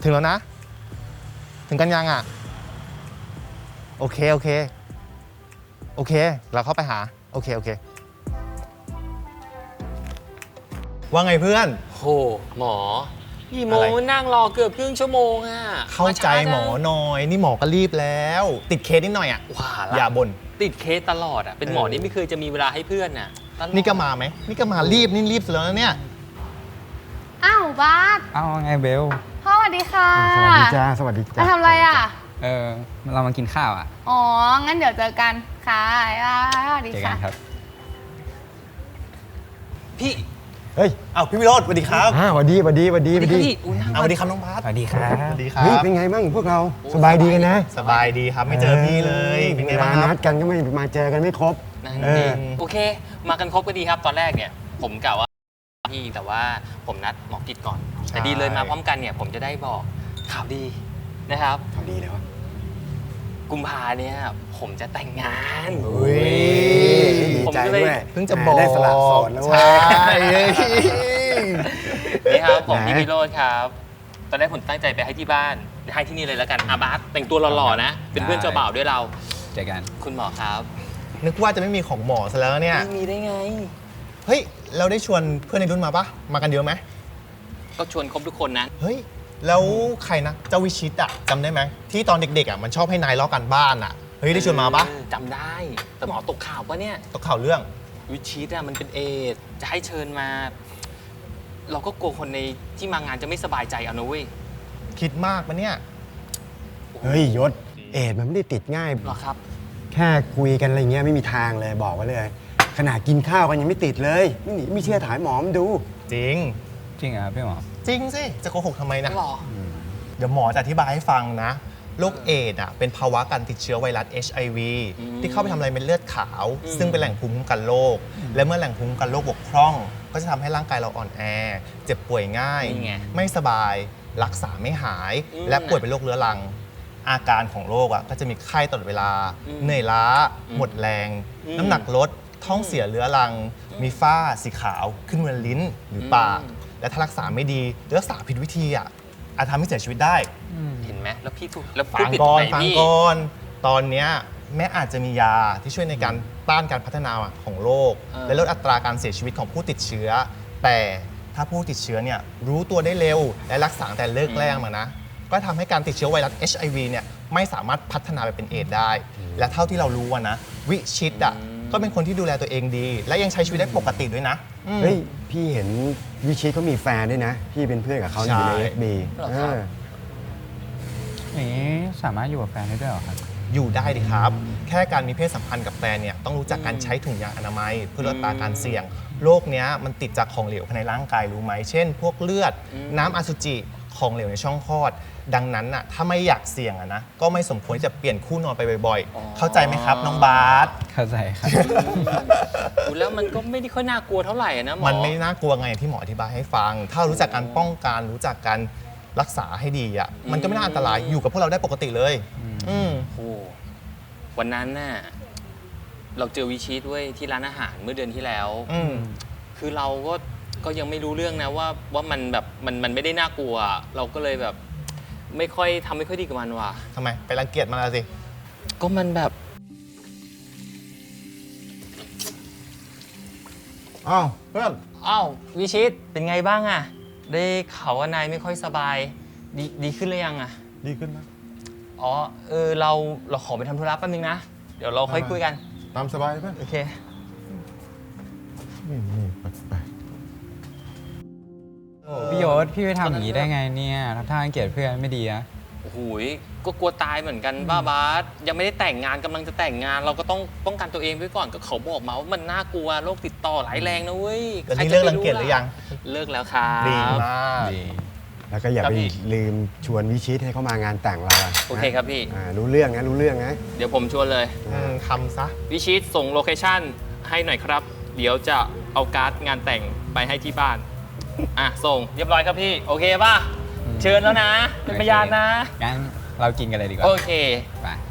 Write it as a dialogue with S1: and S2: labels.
S1: ถึงแล้วนะ ถึงกันยังอ่ะโอเคโอเคโอเคเราเข้าไปหาโอเคโอเคว่าไงเพื่อน
S2: โหหมอกี่โม
S1: อะไร
S2: งนั่งรอเกือบครึ่งชั่วโมงอ่ะ
S1: เข้าใจหมอ
S2: มาช้าจัง
S1: หน่อยนี่หมอก็รีบแล้ว ติดเคสนิดหน่อยอ่ะ
S2: ว่า
S1: อย่า
S2: ละ
S1: บ่น
S2: ติดเคสตลอดอ่ะเป็นหมอ
S1: เออ
S2: นี่ไม่เคยจะมีเวลาให้เพื่อนน่ะตลอด
S1: นี่ก็มาไหมนี่ก็มารีบนี่รีบสุดแล้วนะเนี่ย
S3: อ้าวบาส
S4: เอาไงเบล
S3: พ่อสวัสดีค่ะ
S5: สวัสดีจ้า สวัสดีจ้า
S3: มาทำอะไรอ่ะ
S4: เรามากินข้าวอ่ะ
S3: อ๋อ งั้นเดี๋ยวเจอกัน ค่ะสวัสดี
S4: เจอกั
S3: ค่ะ
S4: นครับ
S2: พี่
S5: เฮ้ย
S1: อ้าวพี่วิโรจน์สวัสดีครับ
S5: สวัสดีสวัสดีสวัสดี
S2: ส
S5: ส
S2: วั
S5: วั
S2: ส
S5: ส
S2: ดี
S5: ดี
S2: พี่อุ้ยนั่ง
S1: เอาสวัสดีครับน้องบาส
S4: สวัสดีครับ
S1: สวัสดีครั
S5: เฮ้ย
S1: บ
S5: เป็นไงบ้างพวกเรา
S2: โอ้
S5: สบายดีกันนะ
S1: สบายดีครับไม่เจอพี่เลยเป็นไง
S5: เว
S1: บ้า
S5: ลาง
S1: ครั
S5: นั
S1: บ
S5: ดกันก็ไม่มาเจอกันไม่ครบ
S2: นั่น
S5: เอ
S2: เอ
S5: อ
S2: งโอเค มากันครบก็ดีครับตอนแรกเนี่ย ผมกะว่าพี่แต่ว่าผมนัดหมอกิจก่อน แต่ดีเลยมาพร้อมกันเนี่ย ผมจะได้บอกข่าวดีนะครับ
S5: ทำดีเลยวะ
S2: กุมภาเนี่ยผมจะแต่งงาน
S1: อุ้ย
S5: ดี
S2: ผม
S5: ใจ
S2: ก็เลย
S5: ด้วย
S1: เพิ่งจะบอก
S5: ได้สละโสดแล้วเว้
S1: ใช่
S5: ย
S2: นี่ครับผม
S5: ไหน
S2: พี่วิโรจน์ครับ ตอนแรกผมตั้งใจไปให้ที่บ้านให้ที่นี่เลยแล้วกันอาบาสแต่งตัวหล่อๆนะ เป็นเพื่อนเจ้าบ่าวด้วยเรา
S4: เจอกัน
S2: คุณหมอครับ
S1: นึกว่าจะไม่มีของหมอซะแล้วเนี่ย
S2: ไม่มีได้ไง
S1: เฮ้ยเราได้ชวนเพื่อนในรุ่นมาปะมากันเยอะไหม
S2: ก็ชวนครบทุกคนนะ
S1: เฮ้ยแล้วใครนะเจ้าวิชิตอะจำได้ไหมที่ตอนเด็กๆอะมันชอบให้นายล้อกันบ้านอะเฮ้ยได้ชวนมาปะ
S2: จำได้ แต่หมอตกข่าวปะเนี่ย
S1: ตกข่าวเรื่อง
S2: วิชิตอะมันเป็นเอดส์จะให้เชิญมา เราก็กลัวคนในที่มางานจะไม่สบายใจเอานะเว้ย
S1: คิดมากปะเนี่ย
S5: เฮ้ยยศ เอดส์มันไม่ได้ติดง่าย
S2: หรอครับ
S5: แค่คุยกันอะไรเงี้ยไม่มีทางเลยบอกไว้เลย ขนาดกินข้าวกันยังไม่ติดเลยไม่เชื่อถ่ายหมอมนดู
S1: จริง
S4: จริงเหรอพี่หมอ
S1: จริงสิจะโกหกทำไมนะ
S2: หรอ
S1: เดี๋ยวหมอจะอธิบายให้ฟังนะโรคเอดส์อะเป็นภาวะการติดเชื้อไวรัส HIV
S2: อืม
S1: ที่เข้าไปทำลายเม็ดเลือดขาว
S2: อืม
S1: ซึ่งเป็นแหล่งภูมิคุ้มกันโรคและเมื่อแหล่งภูมิคุ้มกันโรคบกพร่อง ก็จะทำให้ร่างกายเราอ่อนแอ เจ็บป่วยง่าย
S2: นี่ไง
S1: ไม่สบายรักษาไม่หาย
S2: อืม
S1: และป่วยเป็นโรคเรื้อรัง อาการของโรคอะก็จะมีไข้ตลอดเวลา
S2: อืม
S1: เหนื่อยล้า
S2: อืม
S1: หมดแรง
S2: อืม
S1: น้ำหนักลดท้องเสียเรื้อรัง มีฝ้าสีขาวขึ้นบนลิ้นหรือปาก
S2: อืม
S1: และถ้ารักษาไม่ดีหรือรักษาผิดวิธีอะอาจทำให้เสียชีวิตได้
S2: เห็นไหมแล้วพี่ถูกแล้วพู
S1: ฟั
S2: ด
S1: ง
S2: ผิด
S1: ก่
S2: ตร
S1: อง น
S2: ไหน
S1: ฟัง
S2: พี่
S1: ก่อนตอนเนี้ยแม้อาจจะมียาที่ช่วยในการต้านการพัฒนาของโรค
S2: เออ
S1: และลดอัตราการเสียชีวิตของผู้ติดเชื้อ แต่ถ้าผู้ติดเชื้อเนี่ยรู้ตัวได้เร็ว และรักษาตั้งแต่เลิกแรกมานะ ก็ทำให้การติดเชื้อไวรัส HIV เนี่ยไม่สามารถพัฒนาไปเป็นเอดส์ได้ และเท่าที่เรารู้อะนะวิชิตอ่ะก็เป็นคนที่ดูแลตัวเองดี และยังใช้ชีวิตได้ปกติด้วยนะอืม
S5: เฮ้ยพี่เห็นวิชิตเขามีแฟนด้วยนะ พี่เป็นเพื่อนกับเขาอยู่ใน
S1: ใช่
S5: FB
S2: เหรอครับ
S4: อย่างนี้สามารถอยู่กับแฟนได้ด้วยเหรอครับ
S1: อยู่ได้ดิครับ แค่การมีเพศสัมพันธ์กับแฟนเนี่ยต้องรู้จักการใช้ถุงยางอนามัย เพื่อลดอัตราการเสี่ยง โรคเนี้ยมันติดจากของเหลวภายในร่างกายรู้ไหม เช่น พวกเลือด น้ำอสุจิ ของเหลวในช่องคลอด ดังนั้นน่ะถ้าไม่อยากเสี่ยงอะนะก็ไม่สมควรจะเปลี่ยนคู่นอนไปบ่อย
S2: อ๋อ
S1: ๆ เข้าใจไหมครับน้องบาส
S4: เข้าใจครับ
S2: ดูแล้วมันก็ไม่ได้ค่อยน่ากลัวเท่าไหร่อะนะหมอ
S1: มันไม่น่ากลัวไงที่หมออธิบายให้ฟัง ถ้ารู้จักการป้องกันรู้จักการรักษาให้ดีอ่ะมันก็ไม่น่าอันตรายอยู่กับพวกเราได้ปกติเลยอืม
S2: โอ้วันนั้นน่ะเราเจอวิชิตด้วยที่ร้านอาหารเมื่อเดือนที่แล้ว
S1: อืม
S2: คือเราก็ยังไม่รู้เรื่องนะว่ามันแบบมันไม่ได้น่ากลัว เราก็เลยแบบไม่ค่อยดีกับมันว่ะ
S1: ทำไมไปรังเกียจมันละสิ
S2: ก็มันแบบ
S1: อ้าวเพื่อน
S2: อ้าววิชิตเป็นไงบ้างอะได้ข่าวว่านายไม่ค่อยสบายดีขึ้นหรือยังอะ
S1: ดีขึ้นไหม
S2: อ๋อเราขอไปทำธุระแป๊บนึงนะ เดี๋ยวเราค่อยคุยกัน
S1: ตามสบายเพื่อน
S2: โอเค
S4: พี่ยศพี่ไปทำอย่างนี้ได้ไงเนี่ยทำท่ารังเกียจเพื่อนไม่ดีนะ
S2: โอ้โหยก็กลัวตายเหมือนกันบ้าบาสยังไม่ได้แต่งงานกำลังจะแต่งงาน เราก็ต้องป้องกันตัวเองไว้ก่อนก็เขาบอกมาว่ามันน่ากลัวโรคติดต่อหลายแรงนะเว้ย
S1: แล้ว
S2: ใคร
S1: นี่
S2: จะ
S1: เลิก
S2: ไป
S1: รังเกียจหรือยัง
S2: เลิกแล้วครับ
S1: ดีมาก
S4: ดี
S5: แล้วก็อย่า
S2: ครับ
S5: ไป
S2: พี่
S5: ลืมชวนวิชิตให้เขามางานแต่งเราะ
S2: โอเคครับพี่
S5: รู้เรื่องนะรู้เรื่องนะ
S2: เดี๋ยวผมชวนเลย
S1: ทำซะ
S2: วิชิตส่งโลเคชั่นให้หน่อยครับ เดี๋ยวจะเอาการ์ดงานแต่งไปให้ที่บ้านอ่ะส่งเรียบร้อยครับพี่โอเคป่ะเชิญแล้วนะเป็นพยานนะ
S4: งั้นเรากินกันเลยดีกว่า
S2: โอเค
S4: ไป